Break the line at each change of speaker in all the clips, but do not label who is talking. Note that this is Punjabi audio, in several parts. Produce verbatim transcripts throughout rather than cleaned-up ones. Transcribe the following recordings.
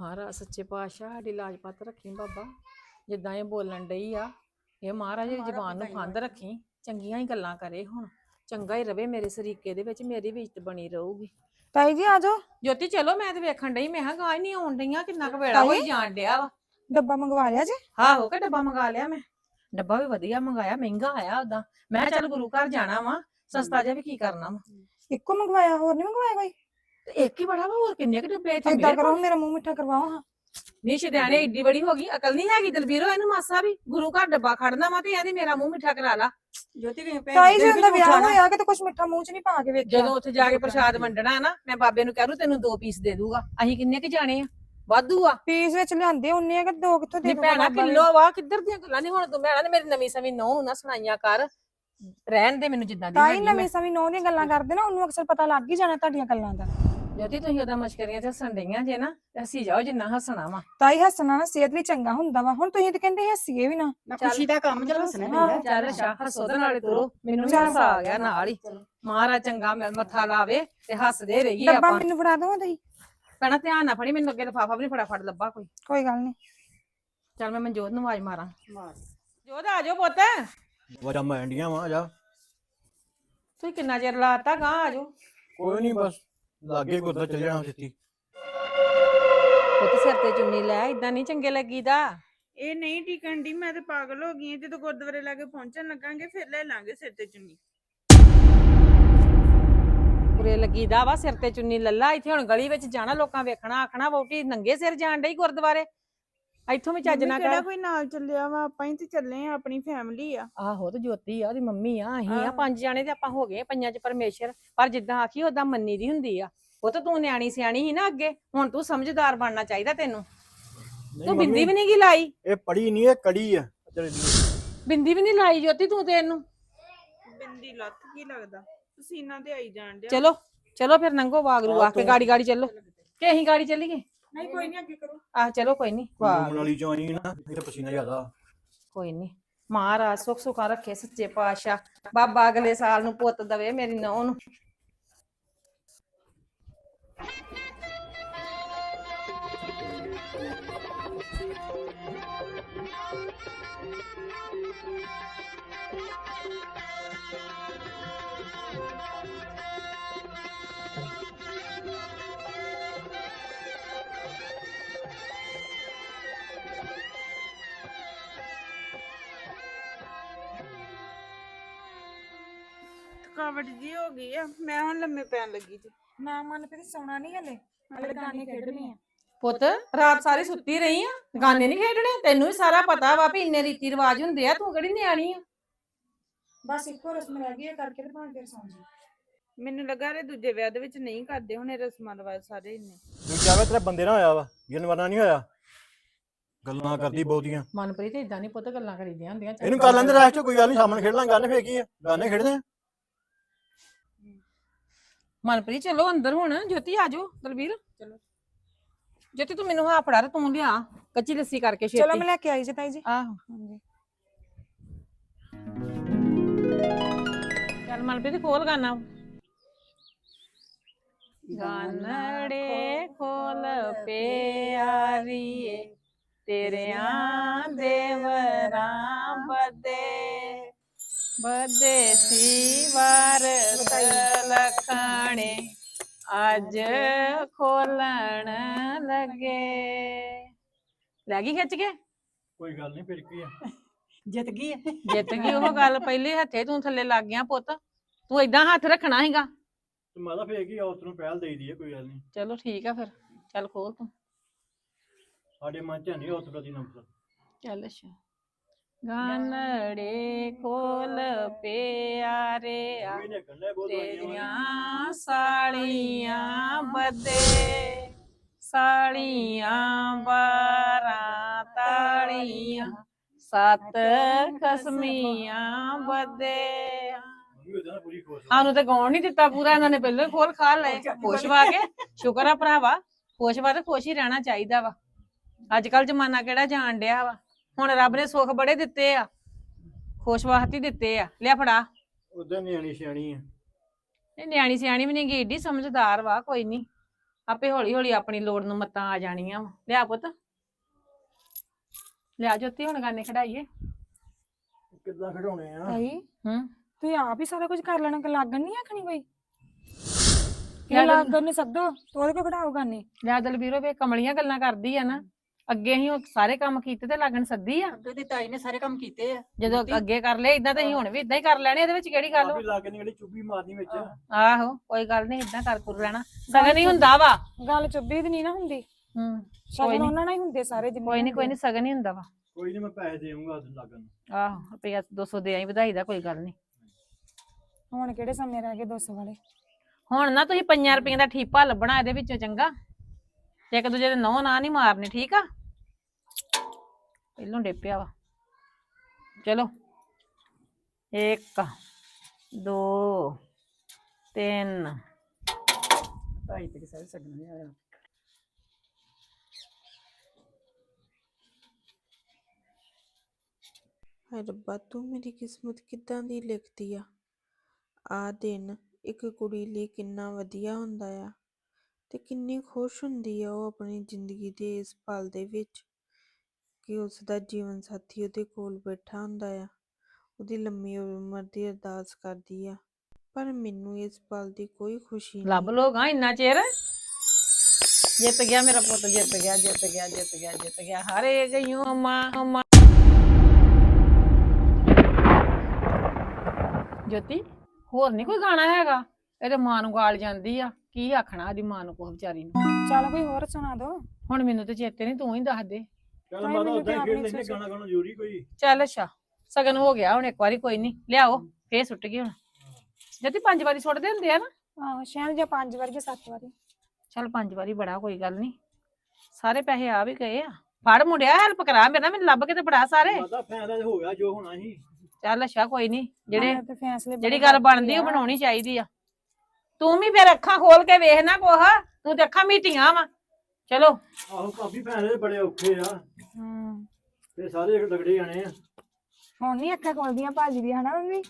ਮਹਾਰਾਜ ਸੱਚੇ ਪਾਤਸ਼ਾਹ ਸਾਡੀ ਲਾਜ ਪੱਤ ਰੱਖੀ ਬਾਬਾ। ਜਿੱਦਾਂ ਇਹ ਬੋਲਣ ਡਈ ਆ, ਇਹ ਮਹਾਰਾਜ ਦੀ ਜ਼ਬਾਨ ਨੂੰ ਫੰਦ ਰੱਖੀ, ਚੰਗੀਆਂ ਹੀ ਗੱਲਾਂ ਕਰੇ, ਹੁਣ ਚੰਗਾ ਹੀ ਰਵੇ ਮੇਰੇ ਸਰੀਕੇ ਦੇ ਵਿੱਚ, ਮੇਰੀ ਵੀ ਇੱਜ਼ਤ ਬਣੀ ਰਹੂਗੀ।
ਤਾਈ ਜੀ ਆ ਜਾਓ।
ਜੋਤੀ ਚਲੋ, ਮੈਂ ਤੇ ਵੇਖਣ ਡਈ, ਮੈਂ ਕਿਹਾ ਗਾਂ ਨਹੀਂ ਆਉਣ ਡਈਆਂ, ਕਿੰਨਾ ਕੁ ਵੇੜਾ ਹੋਈ ਜਾਣ ਡਿਆ ਵਾ।
ਡੱਬਾ ਮੰਗਵਾ ਲਿਆ ਜੀ?
ਆਹੋ ਕਿ ਡੱਬਾ ਮੰਗਾ ਲਿਆ ਮੈਂ। ਡੱਬਾ ਵੀ ਵਧੀਆ ਮੰਗਾਇਆ, ਮਹਿੰਗਾ ਆਇਆ ਉਦਾਂ। ਮੈਂ ਚੱਲ ਗੁਰੂ ਘਰ ਜਾਣਾ ਵਾ, ਸਸਤਾ ਜਿਹਾ ਵੀ ਕੀ ਕਰਨਾ ਵਾ।
ਇੱਕੋ ਮੰਗਵਾਇਆ, ਹੋਰ ਨਹੀਂ ਮੰਗਵਾਇਆ ਕੋਈ?
ਤੇ ਇੱਕ ਹੀ ਬੜਾ ਵਾ, ਹੋਰ ਕਿੰਨੇ ਕੁ ਡੱਬੇ ਇੱਥੇ?
ਏਦਾਂ ਕਰੋ, ਮੇਰਾ ਮੂੰਹ ਮਿੱਠਾ ਕਰਵਾਓ ਹਾਂ।
ਨੀ ਸ਼ਿਦਿਆਣੇ ਏਡੀ ਬੜੀ ਹੋ ਗਈ, ਅਕਲ ਨਹੀਂ ਹੈਗੀ ਦਲਬੀਰੋ ਇਹਨੂੰ ਮਾਸਾ ਵੀ। ਗੁਰੂ ਘਰ ਡੱਬਾ ਖੜਨਾ ਵਾ ਤੇ ਇਹਦੀ ਮੇਰਾ ਮੂੰਹ ਮਿੱਠਾ ਕਰਾ ਲਾ।
ਜੋਤੀ ਵੀ
ਤਾਈ ਜੀ ਦਾ ਵਿਆਹ ਹੋਇਆ ਕਿ ਤੇ ਕੁਛ ਮਿੱਠਾ ਮੂੰਹ ਚ ਨਹੀਂ ਪਾ ਕੇ ਵੇਖਿਆ।
ਜਦੋਂ ਉੱਥੇ ਜਾ ਕੇ ਪ੍ਰਸ਼ਾਦ ਵੰਡਣਾ ਨਾ, ਮੈਂ ਬਾਬੇ ਨੂੰ ਕਹਿ ਰੂ ਤੈਨੂੰ ਦੋ ਪੀਸ ਦੇ ਦੂਗਾ। ਅਸੀਂ ਕਿੰਨੇ ਕੁ ਜਾਣੇ ਆ? ਵਾਧੂ ਆ।
ਪੀਸ ਵਿੱਚ ਲਿਆਂਦੇ ਉਹਨੇ ਆ ਕਿ ਦੋ ਕਿੱਥੋਂ ਦੇ
ਨੀ ਭੈਣਾ ਕਿਲੋ ਵਾ, ਕਿੱਧਰ ਦੀਆਂ ਗੱਲਾਂ। ਨਹੀਂ ਹੁਣ ਤੂੰ ਭੈਣਾ ਨੇ ਮੇਰੀ ਨਵੀਂ ਸਵੀ ਨੌ ਨੂੰ ਨਾ ਸੁਣਾਈਆਂ ਕਰ, ਰਹਿਣ ਦੇ ਮੈਨੂੰ ਜਿੱਦਾਂ ਦੀ
ਤਾਈ ਨਵੀਂ ਸਵੀ ਨੌ ਦੀਆਂ ਗੱਲਾਂ ਕਰਦੇ ਨਾ, ਉਹਨੂੰ ਅਕਸਰ ਪਤਾ ਲੱਗ ਹੀ ਜਾਣਾ ਤੁਹਾਡੀਆਂ ਗੱਲਾਂ ਦਾ।
ਜੋਤੀ ਤੁਸੀਂ ਉਹਦਾ ਮਸ਼ਕਰੀਆਂ ਚ ਹੱਸਣ ਡਈਆਂ ਜੇ ਨਾ, ਹੱਸੀ ਜਾਓ ਜਿੰਨਾ ਹੱਸਣਾ ਵਾ।
ਤਾਈ ਹੱਸਣਾ ਨਾ ਸਿਹਤ ਲਈ ਚੰਗਾ ਹੁੰਦਾ ਵਾ। ਹੁਣ ਤੁਸੀਂ ਤੇ ਕਹਿੰਦੇ ਹੱਸੀਏ ਵੀ ਨਾ।
ਖੁਸ਼ੀ ਦਾ ਕੰਮ ਚਲੋ ਹੱਸਣਾ
ਚੱਲ ਅੱਛਾ, ਹੱਸੋ ਦੇ ਨਾਲੇ ਤੁਰੋ, ਮੈਨੂੰ ਵੀ ਹੱਸਾ ਆ ਗਿਆ ਨਾਲ ਹੀ। ਮਹਾਰਾਜ ਚੰਗਾ ਮੱਥਾ ਲਾਵੇ ਤੇ ਹੱਸਦੇ ਰਹੀਏ
ਡੱਬਾ
ਆਪਾਂ।
ਮੈਨੂੰ ਫੜਾ ਦੋ ਤਾਈ।
ਭੈਣਾ ਧਿਆਨ ਨਾ ਫੜੀ, ਮੈਨੂੰ ਅੱਗੇ ਲਿਫਾਫਾ ਵੀ ਨੀ ਫਟਾਫਟ ਲੱਭਾ ਕੋਈ।
ਕੋਈ ਗੱਲ ਨਹੀਂ।
ਚੱਲ ਮੈਂ ਮਨਜੋਤ ਨੂੰ ਆਵਾਜ਼ ਮਾਰਾਂ। ਜੋਤ ਆ ਜਾਓ ਪੁੱਤ।
ਵਜਾ ਮੈਂ ਇੰਡੀਆਂ ਵਾ ਜਾ।
ਤੁਸੀਂ ਕਿੰਨਾ ਚਿਰ ਲਾਤਾ, ਗਾਂ ਆ ਜਾਓ।
ਕੋਈ ਨਹੀਂ ਬਸ ਲਾਗੇ ਗੁਰਦਾ ਚੱਲ ਜਾਣਾ ਛੇਤੀ।
ਪੁੱਤ ਸਿਰ ਤੇ ਚੁੰਨੀ ਲੈ, ਇਦਾਂ ਨਹੀਂ ਚੰਗੇ ਲੱਗੀਦਾ।
ਇਹ ਨਹੀਂ ਟਿਕਣ ਦੀ, ਮੈਂ ਤੇ ਪਾਗਲ ਹੋ ਗਈ। ਜਦੋਂ ਗੁਰਦੁਆਰੇ ਲਾਗੇ ਪਹੁੰਚਣ ਲੱਗਾਂਗੇ ਫਿਰ ਲੈ ਲਾਂਗੇ ਸਿਰ ਤੇ ਚੁੰਨੀ।
ਬੁਰੇ ਲੱਗੀਦਾ ਵਾ, ਸਿਰ ਤੇ ਚੁੰਨੀ ਲੱਲਾ। ਇੱਥੇ ਹੁਣ ਗਲੀ ਵਿੱਚ ਜਾਣਾ, ਲੋਕਾਂ ਵੇਖਣਾ, ਆਖਣਾ ਵਹੁਟੀ ਨੰਗੇ ਸਿਰ ਜਾਣ ਡਈ ਗੁਰਦੁਆਰੇ। ਇੱਥੋਂ ਵੀ ਚੱਜ ਨਾ
ਕਿਹੜਾ
ਕਰ।
ਕੋਈ ਨਾਲ ਚੱਲਿਆ ਵਾ, ਆਪਾਂ ਹੀ ਤੇ ਚੱਲੇ ਆ, ਆਪਣੀ ਫੈਮਿਲੀ ਆ।
ਆਹੋ ਤੇ ਜੋਤੀ ਆ, ਉਹਦੀ ਮੰਮੀ ਆ, ਅਸੀਂ ਆ, ਪੰਜ ਜਾਣੇ ਤੇ ਆਪਾਂ ਹੋ ਗਏ ਪੰਜਾਂ ਚ ਪਰਮੇਸ਼ਰ। ਪਰ ਜਿੱਦਾਂ ਆਖੀ ਓਦਾਂ ਮੰਨੀ ਦੀ ਹੁੰਦੀ ਆ। ਉਹ ਤਾਂ ਤੂੰ ਨਿਆਣੀ ਸਿਆਣੀ ਸੀ ਨਾ ਅੱਗੇ, ਹੁਣ ਤੂੰ ਸਮਝਦਾਰ ਬਣਨਾ ਚਾਹੀਦਾ ਤੈਨੂੰ। ਤੂੰ ਬਿੰਦੀ ਵੀ ਨਹੀਂ ਗੀ ਲਾਈ।
ਇਹ ਪੜੀ ਨਹੀਂ, ਇਹ ਕੜੀ ਆ।
ਬਿੰਦੀ ਵੀ ਨਹੀਂ ਲਾਈ ਜੋਤੀ ਤੂੰ ਤੇ ਇਹਨੂੰ।
ਬਿੰਦੀ ਲੱਥ ਕੀ ਲੱਗਦਾ, ਪਸੀਨਾ ਤੇ ਆਈ ਜਾਣ ਡਿਆ।
ਚਲੋ ਚਲੋ ਫਿਰ ਨੰਗੋ ਵਾਗਰੂ ਆ ਕੇ ਗਾੜੀ ਗਾੜੀ ਚੱਲੋ ਕਿ ਅਸੀਂ ਗਾੜੀ ਚੱਲੀਏ?
ਨਹੀਂ ਕੋਈ ਨਹੀਂ, ਅੱਗੇ ਕਰੋ।
ਆਹ ਚਲੋ ਕੋਈ ਨਹੀਂ।
ਘੁੰਮਣ ਵਾਲੀ ਚੋਂ ਆਈ ਨਾ, ਇਹ ਪਸੀਨਾ ਜ਼ਿਆਦਾ।
ਕੋਈ ਨਹੀਂ, ਮਹਾਰਾਜ ਸੁੱਖ ਸੁੱਖਾ ਰੱਖੇ ਸੱਚੇ ਪਾਤਸ਼ਾਹ। ਬਾਬਾ ਅਗਲੇ ਸਾਲ ਨੂੰ ਪੁੱਤ ਦਵੇ ਮੇਰੀ ਨੂੰਹ ਨੂੰ।
ਥਕਾਵਟ ਜੀ ਹੋ ਗਈ ਆ, ਮੈਂ ਹੁਣ ਲੰਮੇ ਪੈਣ ਲੱਗੀ ਜੀ।
ਨਾ ਮਨ ਫਿਰ ਸੌਣਾ ਨਹੀਂ ਹਲੇ, ਹਲੇ ਗਾਣੇ ਖੇਡਣੇ ਆ।
ਪੁੱਤ ਰਾਤ ਸਾਰੀ ਸੁੱਤੀ ਰਹੀ ਆ, ਗਾਣੇ ਨਹੀਂ ਖੇਡਣੇ? ਤੈਨੂੰ ਵੀ ਸਾਰਾ ਪਤਾ ਵਾ ਵੀ ਇੰਨੇ ਰੀਤੀ ਰਿਵਾਜ ਹੁੰਦੇ ਆ, ਤੂੰ ਕਿਹੜੀ ਨਿਆਣੀ ਆ।
ਬਸ ਇੱਕੋ ਰਸਮ ਰਹਿ ਗਈ ਹੈ, ਕਰਕੇ ਤੇ ਭਾਵੇਂ ਫਿਰ ਸੌਂ ਜੀ।
ਮੈਨੂੰ ਲੱਗਾ ਰੇ ਦੂਜੇ ਵਿਆਹ ਦੇ ਵਿੱਚ ਨਹੀਂ ਕਰਦੇ ਹੁਣ ਇਹ ਰਸਮਾਂ ਰਿਵਾਜ ਸਾਰੇ ਇੰਨੇ।
ਦੂਜਾ ਵਾ ਤੇਰਾ ਬੰਦੇ ਨਾਲ ਹੋਇਆ ਵਾ, ਜਨਵਰਾਂ ਨਹੀਂ ਹੋਇਆ। ਗੱਲਾਂ ਕਰਦੀ ਬਹੁਤੀਆਂ।
ਮਨਪ੍ਰੀਤ ਇਦਾਂ ਨਹੀਂ ਪੁੱਤ ਗੱਲਾਂ ਕਰੀਦੀਆਂ ਹੁੰਦੀਆਂ।
ਇਹਨੂੰ ਕਰ ਲੈਂਦੇ ਰੈਸਟ, ਕੋਈ ਗੱਲ ਨਹੀਂ, ਸਾਹਮਣੇ ਖੇਡ ਲਾਂਗੇ। ਗਾਣੇ ਫੇਰ ਕੀ ਆ, ਗਾਣੇ ਖੇਡਦੇ ਆ।
ਮਨਪ੍ਰੀਤ ਚਲੋ ਅੰਦਰ ਹੁਣ। ਜੋਤੀ ਆ ਜਾਓ। ਦਲਬੀਰ ਚਲੋ। ਜੋਤੀ ਤੂੰ ਮੈਨੂੰ ਹਾਂ ਫੜਾ, ਤੂੰ ਲਿਆ ਕੱਚੀ ਲੱਸੀ ਕਰਕੇ ਛੇਤੀ।
ਚਲੋ ਮੈਂ ਲੈ ਕੇ ਆਈ ਜੀ ਤਾਈ ਜੀ।
ਆਹੋ ਚੱਲ ਮਨਪ੍ਰੀਤ ਖੋਲ ਗਾਣਾ। ਗਾਨੜੇ ਖੋਲ ਪਿਆਰੀਏ, ਤੇਰਿਆਂ ਦੇਵਰਾਂ ਬਦੇ ਬਦੇ ਸੀ ਵਾਰ ਲਖਾਣੇ, ਅੱਜ ਖੋਲਣ ਲੱਗੇ। ਲੈ ਗਈ ਖਿੱਚ ਕੇ?
ਕੋਈ ਗੱਲ ਨਹੀਂ, ਫਿਰ ਕੀ ਆ,
ਜਿੱਤ ਗਈ ਹੈ।
ਜਿੱਤ ਗਈ ਉਹ ਗੱਲ। ਪਹਿਲੇ ਹੱਥੇ ਤੂੰ ਥੱਲੇ ਲੱਗ ਗਿਆ ਪੁੱਤ, ਤੂੰ ਏਦਾਂ ਹੱਥ ਰੱਖਣਾ ਸੀਗਾ।
ਤੇ ਮਾਦਾ ਫੇਰ ਕੀ ਆ, ਉਸ ਨੂੰ ਪਹਿਲ ਦੇਈ ਦੀ ਆ, ਕੋਈ ਗੱਲ ਨਹੀਂ।
ਚਲੋ ਠੀਕ ਆ ਫਿਰ, ਚੱਲ ਖੋਲ ਤੂੰ।
ਸਾਡੇ ਮਨ ਚ ਨਹੀਂ ਉਸ ਪ੍ਰਤੀ ਨਫ਼ਰਤ।
ਚੱਲ ਅੱਛਾ। ਗਾਨੜੇ ਖੋਲ ਪਿਆਰੇ ਆ, ਤੇਰੀਆਂ ਸਾਲੀਆਂ ਬੱਦੇ, ਸਾਲੀਆਂ ਬਾਰਾਂ ਤਾਲੀਆਂ, ਸੱਤ ਖਸਮੀਆਂ ਬੱਦੇ। ਸਾਨੂੰ ਤੇ ਗਾਉਣ ਨਹੀਂ ਦਿੱਤਾ ਪੂਰਾ, ਇਹਨਾਂ ਨੇ ਪਹਿਲਾਂ ਹੀ ਖੋਲ ਖਾ ਲਏ। ਖੁਸ਼ ਵਾ ਕੇ ਸ਼ੁਕਰ ਆ ਭਰਾਵਾ, ਖੁਸ਼ ਵਾ ਤੇ ਖੁਸ਼ ਹੀ ਰਹਿਣਾ ਚਾਹੀਦਾ ਵਾ। ਅੱਜ ਕੱਲ ਜਮਾਨਾ ਕਿਹੜਾ ਜਾਣ ਡਿਆ ਵਾ, ਹੁਣ ਰੱਬ ਨੇ ਸੁੱਖ ਬੜੇ ਦਿੱਤੇ ਆ, ਖੁਸ਼ ਵਾਸਤੇ ਦਿੱਤੇ ਆ। ਲਿਆ ਫੜਾ।
ਉਦਾਂ ਨਿਆਣੀ ਸਿਆਣੀ ਆ।
ਇਹ ਨਿਆਣੀ ਸਿਆਣੀ ਵੀ ਨਹੀਂ ਗੀ, ਏਡੀ ਸਮਝਦਾਰ ਵਾ। ਕੋਈ ਨਹੀਂ ਆਪੇ ਹੌਲੀ ਹੌਲੀ ਆਪਣੀ ਲੋੜ ਨੂੰ ਮੱਤਾਂ ਆ ਜਾਣੀਆਂ ਵਾ। ਲਿਆ ਪੁੱਤ ਲਿਆ ਜੋਤੀ, ਹੁਣ ਗਾਨੇ ਖੜਾਈਏ।
ਕਿੱਦਾਂ ਖਿਡਾਉਣੇ ਆ?
ਤਾਈ
ਹੂੰ
ਤੁਸੀਂ ਆਪ ਹੀ ਸਾਰਾ ਕੁਝ ਕਰ ਲੈਣਾ, ਕਿ ਲੱਗਣ ਨਹੀਂ ਆਖਣੀ ਕੋਈ ਕਿ
ਯਾਰ-
ਲੱਗਣ ਨਹੀਂ ਸਕਦੋ ਤੋੜ ਕੇ ਖੜਾਓਗਾ ਨਹੀਂ।
ਲਿਆ ਦਲਬੀਰੋ ਵੇ ਕਮਲੀਆਂ ਗੱਲਾਂ ਕਰਦੀ ਆ ਨਾ। ਅੱਗੇ ਅਸੀਂ ਉਹ ਸਾਰੇ ਕੰਮ ਕੀਤੇ ਤੇ ਲੱਗਣ ਸੱਦੀ ਆ।
ਅੱਗੇ ਦੀ ਤਾਈ ਨੇ ਸਾਰੇ ਕੰਮ ਕੀਤੇ ਆ।
ਜਦੋਂ ਅੱਗੇ ਕਰ ਲਏ ਇਦਾਂ ਤੇ ਅਸੀਂ ਹੁਣ ਵੀ ਇਦਾਂ ਹੀ ਕਰ ਲੈਣੇ। ਇਹਦੇ ਵਿੱਚ ਕਿਹੜੀ ਗੱਲ ਵਾ?
ਆਪੀ ਲਾ ਕੇ ਨਿਕਲੀ ਚੁੱਭੀ ਮਾਰਨੀ ਵਿੱਚ।
ਆਹੋ ਕੋਈ ਗੱਲ ਨਹੀਂ, ਇਦਾਂ ਕਰ ਕਰ ਲੈਣਾ। ਸਗਨ ਹੀ ਹੁੰਦਾ ਵਾ।
ਗੱਲ ਚੁੱਭੀ ਦੀ ਨਹੀਂ ਨਾ ਹੁੰਦੀ,
ਹੂੰ ਕੋਈ
ਸ਼ਗਨ
ਨੀ।
ਉਹਨਾਂ ਨਾਲ ਹੀ ਹੁੰਦੇ ਸਾਰੇ ਜਿੰਨੇ
ਕੋਈ ਨਹੀਂ ਕੋਈ ਨਹੀਂ, ਸਗਨ ਹੀ ਹੁੰਦਾ ਵਾ।
ਕੋਈ ਨਹੀਂ, ਮੈਂ ਪੈਸੇ ਦੇਵਾਂਗਾ ਉਦੋਂ ਲੱਗਣ।
ਆਹੋ ਰੁਪਈਆ ਦੋ ਸੌ ਦੇ ਆਈ, ਵਧਾਈ ਦਾ ਕੋਈ ਗੱਲ ਨਹੀਂ।
ਹੁਣ ਕਿਹੜੇ ਸਮੇਂ ਰਹਿ ਗਏ ਦੋ ਸੌ ਵਾਲੇ।
ਹੁਣ ਨਾ ਤੁਸੀਂ ਪੰਜਾਂ ਰੁਪਈਆਂ ਦਾ ਠੀਪਾ ਲੱਭਣਾ ਇਹਦੇ ਵਿੱਚੋਂ, ਚੰਗਾ? ਤੇ ਇੱਕ ਦੂਜੇ ਦੇ ਨਹੁੰ ਨਾ ਨਹੀਂ ਮਾਰਨੇ, ਠੀਕ ਆ? ਪਹਿਲੋਂ ਡੇਪਿਆ ਵਾ। ਚਲੋ ਇੱਕ ਦੋ ਤਿੰਨ।
ਤਾਈ ਤੇ ਸਾਰੇ ਸਗਨ ਨਹੀਂ ਆਇਆ।
ਹਾਏ ਰੱਬਾ, ਤੂੰ ਮੇਰੀ ਕਿਸਮਤ ਕਿੱਦਾਂ ਦੀ ਲਿਖਦੀ ਆ। ਆ ਦਿਨ ਇੱਕ ਕੁੜੀ ਲਈ ਕਿੰਨਾ ਵਧੀਆ ਹੁੰਦਾ ਆ ਤੇ ਕਿੰਨੀ ਖੁਸ਼ ਹੁੰਦੀ ਆ ਉਹ ਆਪਣੀ ਜ਼ਿੰਦਗੀ ਦੇ ਇਸ ਪਲ ਦੇ ਵਿੱਚ ਕਿ ਉਸ ਦਾ ਜੀਵਨ ਸਾਥੀ ਉਹਦੇ ਕੋਲ ਬੈਠਾ ਹੁੰਦਾ ਆ, ਉਹਦੀ ਲੰਮੀ ਉਮਰ ਦੀ ਅਰਦਾਸ ਕਰਦੀ ਆ। ਪਰ ਮੈਨੂੰ ਇਸ ਪਲ ਦੀ ਕੋਈ ਖੁਸ਼ੀ
ਲੱਭ
ਨਹੀਂ।
ਲੋਗਾ ਇੰਨਾ ਚਿਰ। ਜਿੱਤ ਗਿਆ ਮੇਰਾ ਪੁੱਤ, ਜਿੱਤ ਗਿਆ ਜਿੱਤ ਗਿਆ ਜਿੱਤ ਗਿਆ ਜਿੱਤ ਗਿਆ। ਹਾਰੇ ਗਈਓ ਅੰਮਾ ਅੰਮਾ। ਜੋਤੀ ਹੋਰ ਨਹੀਂ ਕੋਈ ਗਾਣਾ ਹੈਗਾ? ਇਹਦੇ ਮਾਂ ਨੂੰ ਗਾਲ ਜਾਂਦੀ ਆ, ਕੀ ਆਖਣਾ ਇਹਦੀ ਮਾਂ ਨੂੰ ਕੋਹ ਵਿਚਾਰੀ ਨੂੰ।
ਚੱਲ ਕੋਈ ਹੋਰ ਸੁਣਾ ਦੋ।
ਹੁਣ ਮੈਨੂੰ ਤੇ ਚੇਤੇ ਨਹੀਂ, ਤੂੰ ਹੀ ਦੱਸ ਦੇ।
ਚੱਲ
ਤਾਈ
ਮਾਤਾ
ਮੈਨੂੰ
ਉਦਾਂ
ਤੇ
ਹੀ
ਆਪ
ਖੇਡ
ਨੀ
ਲੈਂਦੇ,
ਸੋਚਿਆ।
ਗਾਣਾ ਗਾਣਾ ਜ਼ਰੂਰੀ ਕੋਈ।
ਚੱਲ ਅੱਛਾ ਸਗਨ ਹੋ ਗਿਆ ਹੁਣ ਇੱਕ ਵਾਰੀ, ਕੋਈ ਨਹੀਂ ਲਿਆਓ ਫੇਰ ਸੁੱਟ ਗਈ ਹੁਣ। ਜੋਤੀ ਪੰਜ ਵਾਰੀ ਸੁੱਟਦੇ ਹੁੰਦੇ ਆ ਨਾ?
ਆਹੋ ਸ਼ਾਇਦ ਜਾਂ ਪੰਜ ਵਾਰੀ ਜਾਂ ਸੱਤ ਵਾਰੀ।
ਚੱਲ ਪੰਜ ਵਾਰੀ ਬੜਾ, ਕੋਈ ਗੱਲ ਨਹੀਂ। ਸਾਰੇ ਪੈਸੇ ਆ ਵੀ ਗਏ ਆ। ਫੜ ਮੁੰਡਿਆ ਹੈਲਪ ਕਰਾ ਮੇਰੇ ਨਾਲ, ਮੈਨੂੰ ਲੱਭ ਕੇ ਤੇ ਫੜਾ ਸਾਰੇ।
ਮਾਤਾ ਫੈਸਲਾ ਤੇ ਹੋ ਗਿਆ ਜੋ ਹੋਣਾ ਸੀ।
ਚੱਲ ਅੱਛਾ ਕੋਈ ਨਹੀਂ, ਜਿਹੜੇ
ਮੈਂ ਤੇ ਫੈਸਲੇ ਬੜੇ
ਜਿਹੜੀ ਗੱਲ
ਕਰਦੀ
ਬਣਦੀ ਉਹ
ਆ।
ਬਣਾਉਣੀ ਚਾਹੀਦੀ ਆ। ਤੂੰ ਵੀ ਫਿਰ ਅੱਖਾਂ ਖੋਲ ਕੇ ਵੇਖ ਨਾ ਕੋਹ, ਤੂੰ ਤੇ ਅੱਖਾਂ ਮੀਟੀਆਂ ਵਾ। ਚਲੋ
ਆਹੋ ਭਾਬੀ, ਫੈਸਲੇ ਬੜੇ ਔਖੇ ਆ
ਹੂੰ
ਤੇ ਸਾਰੇ ਲੱਗੜੇ ਜਾਣੇ ਆ।
ਹੁਣ ਨਹੀਂ ਅੱਖਾਂ ਖੋਲਦੀਆਂ ਭਾਜੀ ਦੀ, ਹਨਾ ਮੰਮੀ?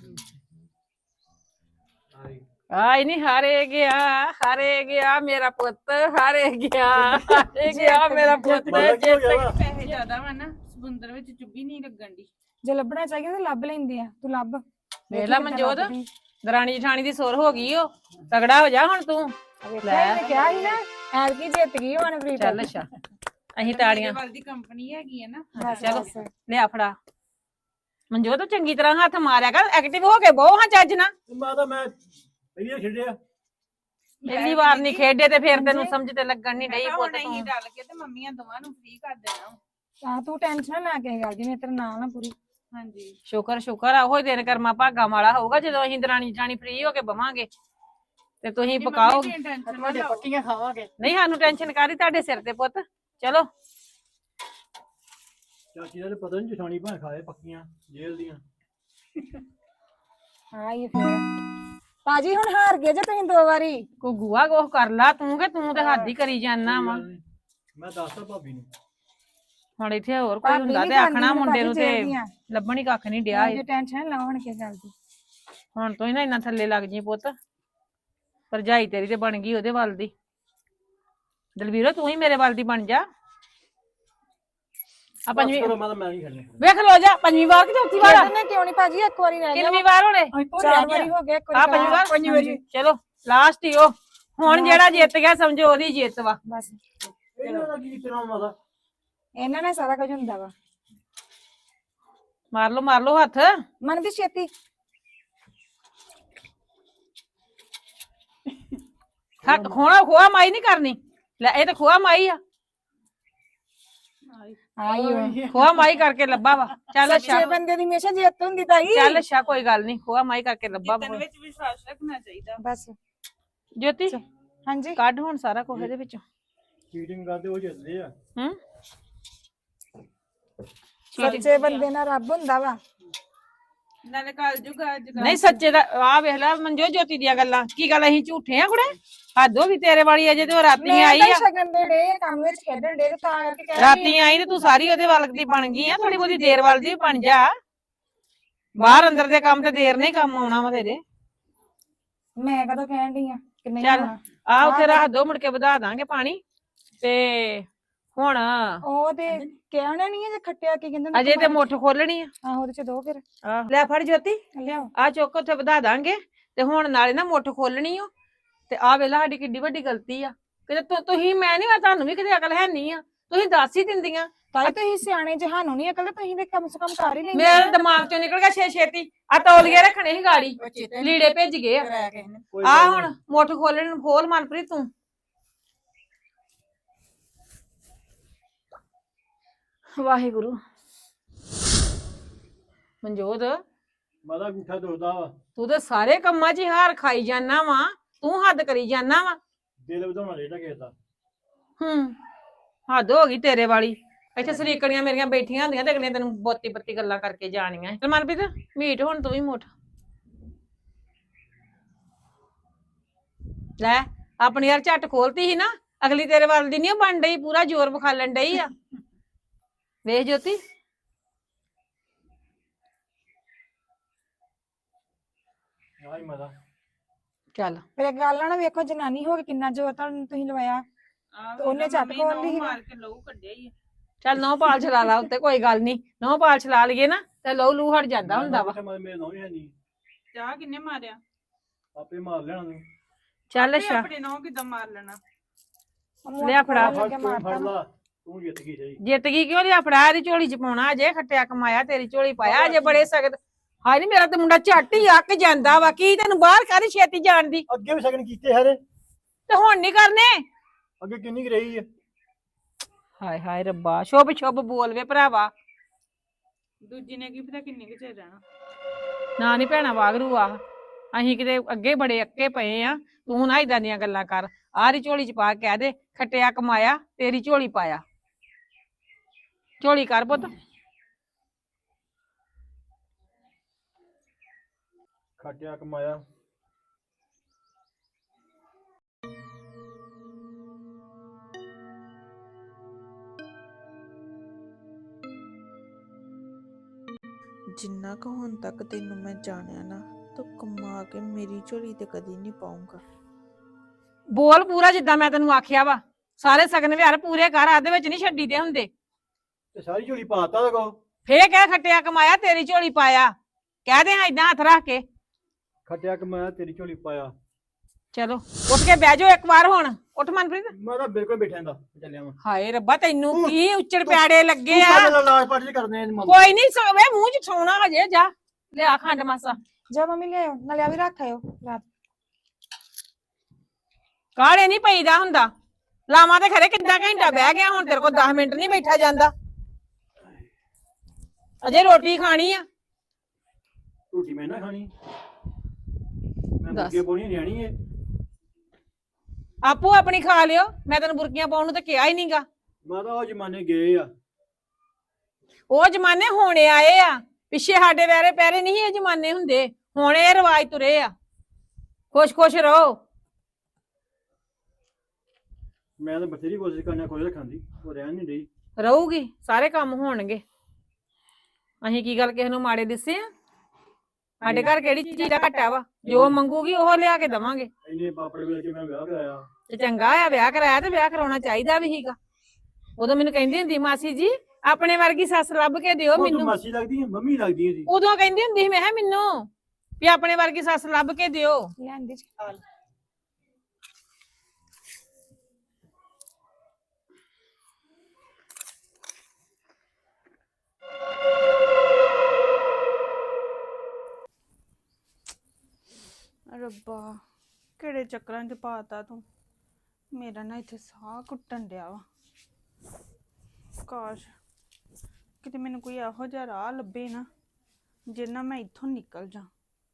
ਆਈ ਨਹੀਂ, ਹਾਰੇ ਗਿਆ ਹਾਰੇ ਗਿਆ ਮੇਰਾ ਪੁੱਤ, ਹਾਰੇ ਗਿਆ ਹਾਰੇ ਗਿਆ ਮੇਰਾ ਪੁੱਤ।
ਮਾਤਾ ਕੀ ਹੋ ਗਿਆ ਵਾ?
ਪੈਸੇ ਜ਼ਿਆਦਾ ਵਾ ਨਾ, ਸਮੁੰਦਰ ਵਿੱਚ ਚੁੱਭੀ ਨਹੀਂ ਲੱਗਣ ਦੀ।
ਜੇ ਲੱਭਣਾ ਚਾਹੀਦਾ ਤਾਂ ਲੱਭ ਲੈਂਦੇ ਆ, ਤੂੰ ਲੱਭ।
ਵੇਖ ਲਾ ਮਨਜੋਤ, ਦਰਾਣੀ ਜਠਾਣੀ ਦੀ ਸੁਰ ਹੋ ਗਈ ਓ। ਤਗੜਾ ਹੋ ਜਾ ਹੁਣ ਤੂੰ।
ਲੈ ਮੈਂ ਕਿਹਾ ਸੀ ਨਾ ਐਤਕੀ ਜਿੱਤ ਗਈ ਹੁਣ ਪ੍ਰੀਤ।
ਚੱਲ ਅੱਛਾ ਅਸੀਂ ਤਾੜੀਆਂ।
ਵੱਲ ਦੀ ਕੰਪਨੀ ਹੈਗੀ ਹੈ ਨਾ।
ਬਸ,
ਚਲੋ
ਬਸ।
ਲਿਆ ਫੜਾ ਮਨਜੋਤ, ਤੂੰ ਚੰਗੀ ਤਰ੍ਹਾਂ ਹੱਥ ਮਾਰਿਆ ਕਰ, ਐਕਟਿਵ ਹੋ ਕੇ ਬਹੁ ਹਾਂ ਚੱਜ ਨਾ।
ਮਾਤਾ ਮੈਂ ਪਹਿਲੀ ਖੇਡਿਆ।
ਪਹਿਲੀ ਵਾਰ ਨਹੀਂ ਖੇਡੇ ਤੇ ਫਿਰ ਤੈਨੂੰ ਸਮਝ ਤੇ ਲੱਗਣ ਨਹੀਂ ਡਈ ਪੁੱਤ
ਨਹੀਂ
ਤੂੰ।
ਡਲ ਕੇ ਤੇ ਮੰਮੀਆਂ ਦੋਵਾਂ ਨੂੰ ਫ੍ਰੀ ਕਰ ਦੇਣਾ।
ਆ ਤੂੰ ਟੈਨਸ਼ਨ ਨਾ ਲੈ ਕੇ ਗੱਲ ਦੀ, ਮੈਂ ਤੇਰੇ ਨਾਲ ਨਾ ਪੂਰੀ।
ਹਾਂਜੀ
ਸ਼ੁਕਰ ਸ਼ੁਕਰ ਆ, ਉਹ ਦਿਨ ਕਰਮਾ ਭਾਗਾ ਵਾਲਾ ਹੋਊਗਾ ਜਦੋਂ ਅਸੀਂ ਦਰਾਣੀ ਜਾਣੀ ਫ੍ਰੀ ਹੋ ਕੇ ਬਵਾਂਗੇ ਤੇ ਤੁਸੀਂ ਪਕਾਓ।
ਟੈਨਸ਼ਨ ਨਾ
ਤੁਹਾਡੇ
ਲਓ।
ਪੱਕੀਆਂ ਖਾਵਾਂਗੇ।
ਨਹੀਂ ਸਾਨੂੰ ਟੈਨਸ਼ਨ ਕਾਦੀ, ਤੁਹਾਡੇ ਸਿਰ ਤੇ ਪੁੱਤ। ਚਲੋ
ਚਾਚੀ ਦਾ ਤੇ ਪਤਾ ਨਹੀਂ, ਜਠਾਣੀ ਭਾਂ ਖਾਏ ਪੱਕੀਆਂ ਜੇਲ੍ਹ ਦੀਆਂ।
ਹਾਂ ਇਹ ਫੇਰ ਭਾਜੀ ਹੁਣ ਹਾਰ ਗਏ ਜੇ ਤੁਸੀਂ ਦੋ ਵਾਰੀ।
ਕੋ ਗੁਆ ਗੋਹ ਕਰ ਲਾ ਤੂੰ, ਕਿ ਤੂੰ ਤੇ ਹੱਦ ਹੀ ਕਰੀ ਜਾਂਦਾ ਵਾ।
ਮੈਂ ਦੱਸਦਾ ਭਾਬੀ ਨੂੰ।
ਹੁਣ ਇੱਥੇ ਹੋਰ ਕੋਈ
ਭਾਬੀ
ਹੁੰਦਾ
ਨੀ
ਤੇ ਆਖਣਾ
ਖਾਂਦੀ
ਮੁੰਡੇ ਨੂੰ
ਭਾਜੀ
ਤੇ
ਜਿਹੜੀਆਂ।
ਲੱਭਣੀ ਕੱਖ ਨਹੀਂ ਡਿਆ ਏ।
ਜੇ ਟੈਨਸ਼ਨ ਨਾ ਹੋਣ ਕੇ ਗੱਲ ਦੀ।
ਹੁਣ ਤੂੰ ਹੀ ਨਾ ਇੰਨਾ ਥੱਲੇ ਲੱਗ ਜੀ ਪੁੱਤ। ਭਰਜਾਈ ਤੇਰੀ ਤੇ ਬਣ ਗਈ ਉਹਦੇ ਵੱਲ ਦੀ। ਦਲਵੀਰੋ ਤੂੰ ਹੀ ਮੇਰੇ ਵੱਲ ਦੀ ਬਣ ਜਾ। ਆ ਪੰਜਵੀਂ
ਚਲੋ ਮਾਤਾ ਮੈਂ ਨਹੀਂ ਖੇਡਣੀ।
ਵੇਖ ਲੋ ਜਾ, ਪੰਜਵੀਂ ਵਾਰ ਕਿ ਚੌਥੀ ਵਾਰ ਆ?
ਇਹਨੇ ਕਿਉਂ ਨਹੀਂ ਭਾਜੀ, ਇੱਕ ਵਾਰੀ ਰਹਿ ਗਿਆ।
ਕਿੰਨਵੀਂ ਵਾਰ ਹੋਣੇ?
ਚਾਰ ਵਾਰੀ ਹੋ ਗਿਆ, ਇੱਕ
ਆ ਪੰਜਵੀਂ ਵਾਰ।
ਪੰਜਵੀਂ ਵਾਰੀ।
ਚਲੋ ਲਾਸਟ ਹੀ ਉਹ। ਹੁਣ ਜਿਹੜਾ ਜਿੱਤ ਗਿਆ ਸਮਝੋ ਉਹਦੀ ਜਿੱਤ ਵਾ।
ਬਸ
ਇਹਨਾਂ ਦਾ ਕੀ ਤੇਰਾ ਮਾਤਾ?
ਇਹਨਾਂ ਨਾਲ ਸਾਰਾ ਕੁਝ ਹੁੰਦਾ ਵਾ।
ਮਾਰ ਲੋ ਮਾਰ ਲੋ ਹੱਥ।
ਮਨ ਵੀ ਛੇਤੀ।
ਹੱਥ ਖੋਣਾ ਖੋਆ ਮਾਈ ਨਹੀਂ ਕਰਨੀ। ਲੈ ਇਹ ਤਾਂ ਖੋਆ ਮਾਈ ਆ।
ਆਈ
ਖੋਆ ਮਾਈ ਕਰਕੇ ਲੱਭਾ ਵਾ। ਚੱਲ ਅੱਛਾ
ਛੇ ਬੰਦੇ ਦੀ ਹਮੇਸ਼ਾ ਜਿੱਤ ਹੁੰਦੀ ਤਾਈ।
ਚੱਲ ਅੱਛਾ ਕੋਈ ਗੱਲ ਨਹੀਂ, ਖੋਆ ਮਾਈ ਕਰਕੇ ਲੱਭਾ
ਜਿੱਤਣ
ਵਾ।
ਵਿੱਚ ਵਿਸ਼ਵਾਸ ਰੱਖਣਾ ਚਾਹੀਦਾ।
ਬਸ
ਜੋਤੀ
ਹਾਂਜੀ
ਕੱਢ ਹੁਣ ਸਾਰਾ ਕੁਝ ਇਹਦੇ ਵਿੱਚੋਂ।
ਚੀਟਿੰਗ ਕਰਦੇ ਉਹ ਜਿੱਤਦੇ ਆ।
ਹੂੰ
ਸੱਚੇ ਬੰਦੇ ਨਾਲ ਰੱਬ ਹੁੰਦਾ ਵਾ।
ਨਾਲੇ ਕੱਲ ਜੁਗਾ ਅੱਜ
ਨਹੀਂ ਸੱਚੇ ਦਾ ਆ ਵੇਖ ਲੈ ਮਨਜੋ ਜੋਤੀ ਦੀਆਂ ਗੱਲਾਂ। ਕੀ ਗੱਲ ਅਸੀਂ ਝੂਠੇ ਆ ਕੁੜੇ? ਹੱਦ ਹੋ ਗਈ ਤੇਰੇ ਵਾਲੀ। ਅਜੇ ਤੇ ਉਹ ਰਾਤੀ
ਮੈਂ
ਆਈ
ਤਾਂ
ਆ।
ਸ਼ਗਨ ਦੇ ਡੇ ਕੰਮ ਵਿੱਚ ਖੇਡਣ ਡੇ ਤਾਂ ਕਰਕੇ ਕਹਿ ਰਹੀ
ਰਾਤੀ ਆਈ ਤੇ ਤੂੰ ਸਾਰੀ ਉਹਦੇ ਵੱਲ ਦੀ ਬਣ ਗਈ ਆ। ਥੋੜੀ ਬਹੁਤੀ ਦੇਰ ਵੱਲ ਦੀ ਬਣ ਜਾ। ਬਾਹਰ ਅੰਦਰ ਦੇ ਕੰਮ ਤੇ ਦੇਰ ਨਹੀਂ ਕੰਮ ਆਉਣਾ ਵਾ ਤੇਰੇ।
ਮੈਂ ਕਦੋਂ ਕਹਿਣ ਡਈ ਆ ਕਿ ਨਹੀਂ
ਚੱਲ।
ਆਉਣਾ।
ਆ ਉੱਥੇ ਰੱਖ ਦੋ, ਮੁੜ ਕੇ ਵਧਾ ਦਾਂਗੇ ਪਾਣੀ। ਤੇ ਹੁਣ
ਉਹ ਤੇ ਕਹਿਣਾ ਨਹੀਂ ਹੈ ਜੇ ਖੱਟਿਆ ਕੀ ਕਹਿੰਦੇ
ਅਜੇ ਤੇ ਮੁੱਠ ਖੋਲਣੀ ਆ।
ਆਹੋ ਉਹਦੇ ਚ ਦੋ ਫਿਰ
ਆਹ ਲੈ ਫੜ ਜੋਤੀ,
ਲਿਆਓ।
ਆ ਚੁੱਕ ਉੱਥੇ ਵਧਾ ਦਾਂਗੇ ਤੇ ਹੁਣ ਨਾਲੇ ਨਾ ਮੁੱਠ ਖੋਲਣੀ ਓ। ਤੇ ਆ ਵੇਲਾ ਸਾਡੀ ਕਿੱਡੀ ਵੱਡੀ ਗਲਤੀ ਆ, ਕਿਤੇ ਤੁ- ਤੁਸੀਂ ਮੈਂ ਨਹੀਂ ਤੁਹਾਨੂੰ ਵੀ ਕਿਤੇ ਅਕਲ ਹੈ ਨਹੀਂ ਆ, ਤੁਸੀਂ ਦੱਸ ਹੀ ਦਿੰਦੀਆਂ।
ਤਾਈ ਤੁਸੀਂ ਸਿਆਣੇ ਜਹਾਨੋਂ ਨਹੀਂ ਅਕਲ, ਤੁਸੀਂ ਤੇ ਕਮ ਸੇ ਕਮ ਕਰ ਹੀ ਲੈਂਦੇ।
ਮੇਰੇ ਦਿਮਾਗ ਚੋਂ ਨਿਕਲ ਗਿਆ ਛੇ ਛੇਤੀ। ਆ ਤੌਲੀਏ ਰੱਖਣੇ ਸੀ ਗਾੜੀ,
ਉਹ ਚੇਤੇ
ਲੀੜੇ ਭੇਜ ਗਏ ਆ।
ਕਰਾਇਆ ਕਿਸੇ ਨੇ।
ਕੋਈ
ਆ
ਗੱਲ ਨੀ।
ਹੁਣ ਮੁੱਠ ਖੋਲਣ ਨੂੰ ਖੋਲ ਮਨਪ੍ਰੀਤ ਤੂੰ। ਵਾਹਿਗੁਰੂ। ਮਨਜੋਤ
ਮਾਦਾ ਗੁੱਠਾ ਦੁਖਦਾ ਵਾ,
ਤੂੰ ਤੇ ਸਾਰੇ ਕੰਮਾਂ 'ਚ ਹੀ ਹਾਰ ਖਾਈ ਜਾਨਾ ਵਾ, ਤੂੰ ਹੱਦ ਕਰੀ ਜਾਨਾ ਵਾ।
ਦਿਲ ਵਧਾਉਣਾ ਚਾਹੀਦਾ ਕਿਸੇ ਦਾ।
ਹੂੰ ਹੱਦ ਹੋ ਗਈ ਤੇਰੇ ਵਾਲੀ। ਇੱਥੇ ਸਰੀਕਣੀਆਂ ਮੇਰੀਆਂ ਬੈਠੀਆਂ ਹੁੰਦੀਆਂ ਤੇ ਅਗਲੀਆਂ ਤੈਨੂੰ ਬੋਤੀ ਬੱਤੀ ਗੱਲਾਂ ਕਰਕੇ ਜਾਣੀਆਂ। ਤੇ ਮਨਪ੍ਰੀਤ ਮੀਟ ਹੁਣ ਤੂੰ ਵੀ ਮੁੱਠ ਲੈ। ਆਪਣੀ ਯਾਰ ਝੱਟ ਖੋਲਤੀ ਸੀ ਨਾ, ਅਗਲੀ ਤੇਰੇ ਵੱਲ ਦੀ ਨਹੀਂ ਬਣ ਡਈ, ਪੂਰਾ ਜ਼ੋਰ ਵਿਖਾਲਣ ਡਈ ਆ। ਵੇਖ ਜੋਤੀ
ਆਈ ਮਾਦਾ
ਚੱਲ।
ਫਿਰ ਇੱਕ ਗੱਲ ਆ ਨਾ, ਵੇਖੋ ਜਨਾਨੀ ਹੋ ਕੇ ਕਿੰਨਾ ਜ਼ੋਰ ਤੁਹਾਨੂੰ ਤੁਸੀਂ ਲਵਾਇਆ।
ਆਹ
ਤੇ ਉਹਨੇ
ਵੇਖ ਲਾ
ਝੱਟ
ਮੰਮੀ
ਖੋਲ ਲਈ
ਨਹੁੰ
ਨਾ।
ਮਾਰ ਕੇ ਲਹੂ ਕੱਢਿਆ ਹੀ ਆ।
ਚੱਲ ਨੌ ਪਾਲ ਚਲਾ ਲਾ ਉੱਤੇ, ਕੋਈ ਗੱਲ ਨਹੀਂ। ਨੌ ਪਾਲ ਚਲਾ ਲਈਏ ਨਾ ਤੇ ਲਹੂ ਲੂ ਹਟ ਜਾਂਦਾ ਹੁੰਦਾ ਵਾ।
ਮੇਰੇ ਨੌਂ ਹੀ ਹੈ ਨਹੀਂ,
ਚਾਹ ਕਿੰਨੇ ਮਾਰਿਆ?
ਆਪੇ ਮਾਰ ਲੈਣਾ ਤੂੰ।
ਚੱਲ
ਤੇ
ਅੱਛਾ
ਆਪਣੇ ਨਹੁੰ ਕਿੱਦਾਂ ਮਾਰ ਲੈਣਾ?
ਲਿਆ ਫੜਾ।
ਫੜ
ਲੱਗੇ
ਤੂੰ
ਮਾਰਤਾ
ਫੜ
ਨਾ।
ਲਾ, ਤੂੰ ਜਿੱਤ ਗਈ ਸਹੀ।
ਜਿੱਤ ਗਈ ਕਿਉਂ ਲਿਆ ਫੜਾ, ਇਹਦੀ ਝੋਲੀ ਚ ਪਾਉਣਾ ਅਜੇ। ਖੱਟਿਆ ਕਮਾਇਆ ਤੇਰੀ ਝੋਲੀ ਪਾਇਆ ਅਜੇ, ਬੜੇ ਸਖਤ। ਹਾਏ ਨੀ ਮੇਰਾ ਤੇ ਮੁੰਡਾ ਝੱਟ ਹੀ ਅੱਕ ਜਾਂਦਾ ਵਾ। ਕੀ ਤੈਨੂੰ ਬਾਹਰ ਕਾਹਦੀ ਛੇਤੀ ਜਾਣ ਦੀ?
ਅੱਗੇ ਵੀ ਸ਼ਗਨ ਕੀਤੇ ਸਾਰੇ,
ਤੇ ਹੁਣ ਨਹੀਂ ਕਰਨੇ?
ਅੱਗੇ ਕਿੰਨੀ ਕੁ ਰਹੀ ਹੈ।
ਹਾਏ ਹਾਏ ਰੱਬਾ, ਸ਼ੁਭ ਸ਼ੁਭ ਬੋਲ ਵੇ ਭਰਾਵਾ।
ਦੂਜੀ ਨੇ ਕੀ ਪਤਾ ਕਿੰਨੇ ਕੁ ਚਿਰ ਰਹਿਣਾ।
ਨਾ ਨੀ ਭੈਣਾ ਵਾਗਰੂ ਆ, ਅਸੀਂ ਕਿਤੇ ਅੱਗੇ ਬੜੇ ਅੱਕੇ ਪਏ ਆ। ਤੂੰ ਨਾ ਇਦਾਂ ਦੀਆਂ ਗੱਲਾਂ ਕਰ। ਆਹ ਦੀ ਝੋਲੀ ਚ ਪਾ ਕੇ ਕਹਿ ਦੇ ਖੱਟਿਆ ਕਮਾਇਆ ਤੇਰੀ ਝੋਲੀ ਪਾਇਆ। ਝੋਲੀ ਕਰ ਪੁੱਤ।
ਖੱਟਿਆ ਕਮਾਇਆ
ਜਿੰਨਾ ਕੁ ਹੁਣ ਤੱਕ ਤੈਨੂੰ ਮੈਂ ਜਾਣਿਆ ਨਾ, ਤੂੰ ਕਮਾ ਕੇ ਮੇਰੀ ਝੋਲੀ ਤੇ ਕਦੀ ਨਹੀਂ ਪਾਉਂਗਾ।
ਬੋਲ ਪੂਰਾ ਜਿੱਦਾਂ ਮੈਂ ਤੈਨੂੰ ਆਖਿਆ ਵਾ। ਸਾਰੇ ਸਗਨ ਵਿਹਾਰ ਪੂਰੇ ਘਰ ਆਦੇ ਵਿੱਚ ਨਹੀਂ ਛੱਡੀ ਦੇ ਹੁੰਦੇ।
ਤੇ ਸਾਰੀ ਝੋਲੀ ਪਾਤਾ ਲਗੋ।
ਫੇਰ ਕਹਿ ਖੱਟਿਆ ਕਮਾਇਆ ਤੇਰੀ ਝੋਲੀ ਪਾਇਆ। ਕਹਿ ਦੇ ਹਾਂ ਏਦਾਂ ਹੱਥ ਰੱਖ ਕੇ।
ਖੱਟਿਆ ਕਮਾਇਆ ਤੇਰੀ ਝੋਲੀ ਪਾਇਆ।
ਚਲੋ ਉੱਠ ਕੇ ਬਹਿ ਜਾਓ ਇੱਕ ਵਾਰ ਹੁਣ। ਉੱਠ ਮਨਪ੍ਰੀਤ।
ਮੈਂ ਤਾਂ ਬਿਲਕੁਲ ਬੈਠਾ ਦਾ ਚੱਲਿਆ ਮੈਂ।
ਹਾਏ ਰੱਬਾ, ਤੈਨੂੰ ਕੀ ਉੱਚੜ ਪਿਆੜੇ ਲੱਗੇ ਆ?
ਤੂੰ ਲਾਜ ਪਾਟੀ ਕਰਦੇ ਨੇ।
ਕੋਈ ਨਹੀਂ ਸਵੇ ਮੂੰਹ ਚ ਸੌਣਾ ਹਜੇ। ਜਾ ਲਿਆ ਖੰਡ ਮਾਸਾ।
ਜਾ ਮੰਮੀ ਲਿਆਓ, ਨਾਲੇ ਆ ਵੀ ਰੱਖ ਆਇਓ ਰਾਤ।
ਕਾਹਲੇ ਨਹੀਂ ਪਈਦਾ ਹੁੰਦਾ। ਲਾਵਾਂ ਤੇ ਖਰੇ ਕਿੱਦਾਂ ਘੰਟਾ ਬਹਿ ਗਿਆ, ਹੁਣ ਤੇਰੇ ਕੋਲ ਦਸ ਮਿੰਟ ਨਹੀਂ ਬੈਠਾ ਜਾਂਦਾ। ਅਜੇ ਰੋਟੀ ਖਾਣੀ ਆ।
ਰੋਟੀ ਮੈਂ ਨਾ ਖਾਣੀ, ਮੈਂ
ਦੱਸ।
ਮੁਰਗੇ ਪੋਣੀ ਨਿਆਣੀ ਏ।
ਆਪੋ ਆਪਣੀ ਖਾ ਲਿਓ। ਮੈਂ ਤੈਨੂੰ ਬੁਰਕੀਆਂ ਪਾਉਣ ਨੂੰ ਤਾਂ ਕਿਹਾ ਹੀ ਨਹੀਂਗਾ।
ਮੈਂ ਤਾਂ ਉਹ ਜਮਾਨੇ ਗਏ ਆ।
ਉਹ ਜਮਾਨੇ ਹੋਣੇ ਆਏ ਆ, ਪਿੱਛੇ ਸਾਡੇ ਵੈਰੇ ਪੈਰੇ ਨਹੀਂ ਇਹ ਜਮਾਨੇ ਹੁੰਦੇ। ਹੁਣ ਇਹ ਰਿਵਾਜ ਤੁਰੇ ਆ। ਖੁਸ਼ ਖੁਸ਼ ਰਹੋ।
ਮੈਂ ਤਾਂ ਬਥੇਰੀ ਕੋਸ਼ਿਸ਼ ਕਰਨਾ ਕੋਈ ਰੱਖਣ ਦੀ, ਉਹ ਰਹਿਣ ਨਹੀਂ ਰਹੀ।
ਰਹੂਗੀ, ਸਾਰੇ ਕੰਮ ਹੋਣਗੇ। ਅਸੀਂ ਕੀ ਗੱਲ ਕਿਸੇ ਨੂੰ ਮਾੜੇ ਦਿਸੇ ਆ? ਸਾਡੇ ਘਰ ਕਿਹੜੀ ਚੀਜ਼ ਦਾ ਘਾਟਾ ਵਾ? ਜੋ ਮੰਗੂਗੀ ਉਹ ਲਿਆ ਕੇ ਦਵਾਂਗੇ।
ਇੰਨੇ ਪਾਪੜ ਵੇਚ ਕੇ ਮੈਂ ਵਿਆਹ ਕਰਾਇਆ।
ਤੇ ਚੰਗਾ ਆ ਵਿਆਹ ਕਰਾਇਆ, ਤੇ ਵਿਆਹ ਕਰਾਉਣਾ ਚਾਹੀਦਾ ਵੀ ਸੀਗਾ। ਉਦੋਂ ਮੈਨੂੰ ਕਹਿੰਦੀ ਹੁੰਦੀ ਮਾਸੀ ਜੀ ਆਪਣੇ ਵਰਗੀ ਸੱਸ ਲੱਭ ਕੇ ਦਿਓ
ਉਹ ਤੂੰ
ਮੈਨੂੰ।
ਮਾਸੀ ਲੱਗਦੀ ਹੈ, ਮੰਮੀ ਲੱਗਦੀ ਹੈ ਜੀ।
ਉਦੋਂ ਕਹਿੰਦੀ ਹੁੰਦੀ ਸੀ ਮੈਂ ਕਿਹਾ ਮੈਨੂੰ ਵੀ ਆਪਣੇ ਵਰਗੀ ਸੱਸ ਲੱਭ ਕੇ ਦਿਓ।
ਲਿਆਂਦੀ ਚ
ਰੱਬਾ, ਕਿਹੜੇ ਚੱਕਰਾਂ 'ਚ ਪਾਤਾ ਤੂੰ। ਮੇਰਾ ਨਾ ਇੱਥੇ ਸਾਹ ਘੁੱਟਣ ਡਿਆ ਵਾ। ਕਾਸ਼ ਕਿਤੇ ਮੈਨੂੰ ਕੋਈ ਇਹੋ ਜਿਹਾ ਰਾਹ ਲੱਭੇ ਨਾ, ਜਿਹਦੇ ਨਾਲ ਮੈਂ ਇੱਥੋਂ ਨਿਕਲ ਜਾ।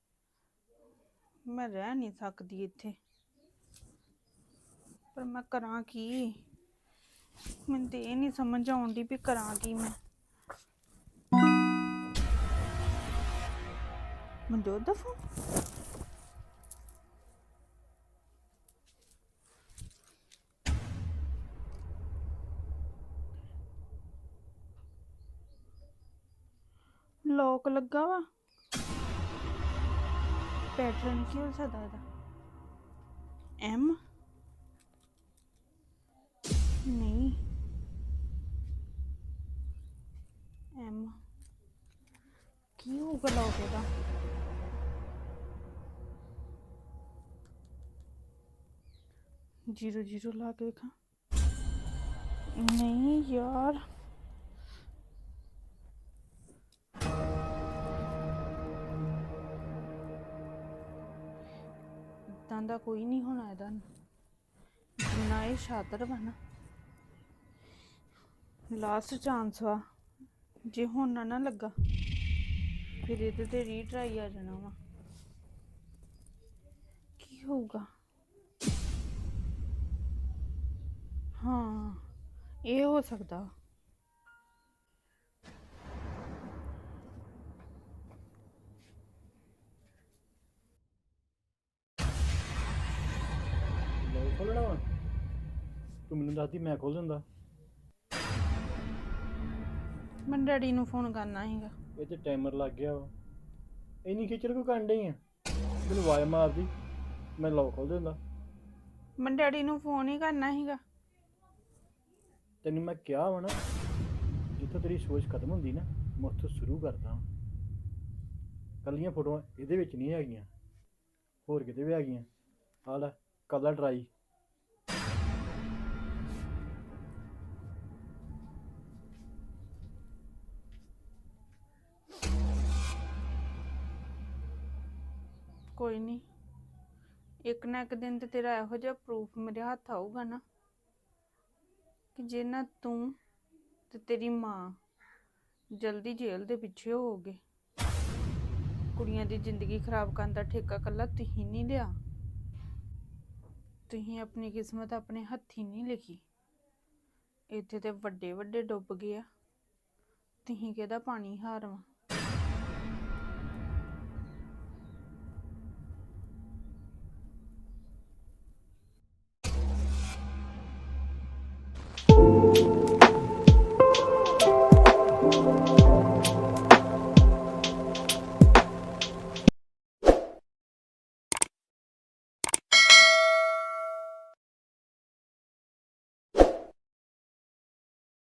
ਮੈਂ ਰਹਿ ਨਹੀਂ ਸਕਦੀ ਇੱਥੇ, ਪਰ ਮੈਂ ਕਰਾਂ ਕੀ? ਮੈਨੂੰ ਤੇ ਇਹ ਨਹੀਂ ਸਮਝ ਆਉਂਦੀ ਵੀ ਕਰਾਂ ਕੀ ਮੈਂ। ਮਨਜੋਤ ਦਾ ਫੋਨ। ਲੋਕ ਲੱਗਾ ਵਾ, ਪੈਟਰਨ ਕੀ ਹੋ ਸਕਦਾ ਇਹਦਾ? ਐਮ
ਹੋਊਗਾ ਲੋਕ ਇਹਦਾ? ਜੀਰੋ ਜੀਰੋ ਲਾ ਕੇ ਵੇਖਾਂ। ਨਹੀਂ ਯਾਰ, ਇਦਾਂ ਦਾ ਕੋਈ ਨਹੀਂ ਹੋਣਾ ਇਹਦਾ। ਜਿੰਨਾ ਇਹ ਸ਼ਾਤਰ ਵਾ ਨਾ, ਲਾਸਟ ਚਾਂਸ ਵਾ। ਜੇ ਹੁਣ ਨਾ ਨਾ ਲੱਗਾ ਫਿਰ ਇਹਦੇ ਤੇ ਰੀਟਰਾਈ ਆ ਜਾਣਾ ਵਾ। ਕੀ ਹੋਊਗਾ? ਹਾਂ, ਇਹ ਹੋ ਸਕਦਾ।
ਲੋਕ ਖੋਲਣਾ ਵਾ? ਤੂੰ ਮੈਨੂੰ ਦੱਸਦੀ ਮੈਂ ਖੋਲ ਦਿੰਦਾ।
ਮੈਂ ਡੈਡੀ ਨੂੰ ਫੋਨ ਕਰਨਾ ਸੀਗਾ।
ਇਹ ਤੇ ਟਾਈਮਰ ਲੱਗ ਗਿਆ ਵਾ। ਇੰਨੀ ਖਿਚੜ ਕਿਉਂ ਕਰਨ ਡਈ ਆ? ਮੈਨੂੰ ਆਵਾਜ਼ ਮਾਰਦੀ, ਮੈਂ ਲੋਕ ਖੋਲ ਦਿੰਦਾ।
ਮੈਂ ਡੈਡੀ ਨੂੰ ਫੋਨ ਹੀ ਕਰਨਾ ਸੀਗਾ।
ਤੈਨੂੰ ਮੈਂ ਕਿਹਾ ਵਾ ਨਾ, ਜਿੱਥੋਂ ਤੇਰੀ ਸੋਚ ਖਤਮ ਹੁੰਦੀ ਨਾ, ਮੈਂ ਉੱਥੋਂ ਸ਼ੁਰੂ ਕਰਦਾ ਹਾਂ। ਕੱਲੀਆਂ ਫੋਟੋਆਂ ਇਹਦੇ ਵਿੱਚ ਨਹੀਂ ਹੈਗੀਆਂ, ਹੋਰ ਕਿਤੇ ਵੀ ਹੈਗੀਆਂ। ਆ ਲੈ ਕਰ ਲੈ ਟਰਾਈ।
ਕੋਈ ਨਹੀਂ, ਇੱਕ ਨਾ ਇੱਕ ਦਿਨ ਤੇ ਤੇਰਾ ਇਹੋ ਜਿਹਾ ਪ੍ਰੂਫ ਮੇਰੇ ਹੱਥ ਆਊਗਾ ਨਾ ਕਿ ਜੇ ਨਾ ਤੂੰ ਤੇ ਤੇਰੀ ਮਾਂ ਜਲਦੀ ਜੇਲ੍ਹ ਦੇ ਪਿੱਛੇ ਹੋਵੋਗੇ। ਕੁੜੀਆਂ ਦੀ ਜ਼ਿੰਦਗੀ ਖਰਾਬ ਕਰਨ ਦਾ ਠੇਕਾ ਕੱਲਾ ਤੁਸੀਂ ਨਹੀਂ ਲਿਆ। ਤੁਸੀਂ ਆਪਣੀ ਕਿਸਮਤ ਆਪਣੇ ਹੱਥੀਂ ਨਹੀਂ ਲਿਖੀ। ਇੱਥੇ ਤੇ ਵੱਡੇ ਵੱਡੇ ਡੁੱਬ ਗਏ ਆ, ਤੁਸੀਂ ਕਿਹਦਾ ਪਾਣੀ ਹਾਰ ਵਾ।